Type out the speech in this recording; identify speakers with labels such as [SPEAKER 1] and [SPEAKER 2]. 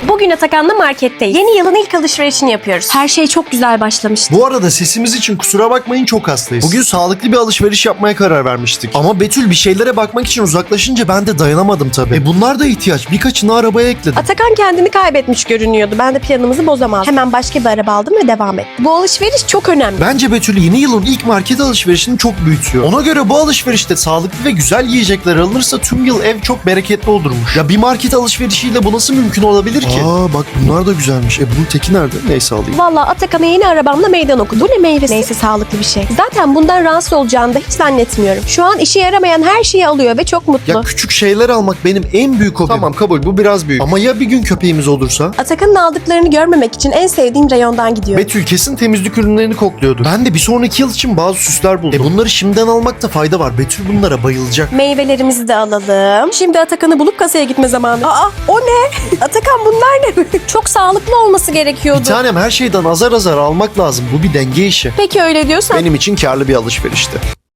[SPEAKER 1] Bugün Atakan'la marketteyiz. Yeni yılın ilk alışverişini yapıyoruz. Her şey çok güzel başlamıştı.
[SPEAKER 2] Bu arada sesimiz için kusura bakmayın, çok hastayız. Bugün sağlıklı bir alışveriş yapmaya karar vermiştik. Ama Betül bir şeylere bakmak için uzaklaşınca ben de dayanamadım tabii. Bunlar da ihtiyaç. Birkaçını arabaya ekledim.
[SPEAKER 1] Atakan kendini kaybetmiş görünüyordu. Ben de planımızı bozamazdım. Hemen başka bir araba aldım ve devam ettim. Bu alışveriş çok önemli.
[SPEAKER 2] Bence Betül yeni yılın ilk market alışverişini çok büyütüyor. Ona göre bu alışverişte sağlıklı ve güzel yiyecekler alınırsa tüm yıl ev çok bereketli olurmuş. Ya bir market alışverişiyle bu nasıl mümkün olabilir ki? Aa bak bunlar da güzelmiş. Bunun teki nerede? Neyse alayım.
[SPEAKER 1] Vallahi Atakan'a yeni arabamla meydan okudu. Bu ne meyvesi? Neyse sağlıklı bir şey. Zaten bundan rahatsız olacağını da hiç zannetmiyorum. Şu an işe yaramayan her şeyi alıyor ve çok mutlu.
[SPEAKER 2] Ya küçük şeyler almak benim en büyük hobim. Tamam kabul, bu biraz büyük. Ama ya bir gün köpeğimiz olursa?
[SPEAKER 1] Atakan'ın aldıklarını görmemek için en sevdiğim reyondan gidiyor.
[SPEAKER 2] Betül kesin temizlik ürünlerini kokluyordu. Ben de bir sonraki yıl için bazı süsler buldum. Bunları şimdiden almakta fayda var. Betül bunlara bayılacak.
[SPEAKER 1] Meyvelerimizi de alalım. Şimdi Atakan'ı bulup kasaya gitme zamanı. Aa o ne? Atakan bunlar ne? Çok sağlıklı olması gerekiyordu.
[SPEAKER 2] Bir tanem her şeyden azar azar almak lazım. Bu bir denge işi.
[SPEAKER 1] Peki öyle diyorsan.
[SPEAKER 2] Benim için karlı bir alışverişti.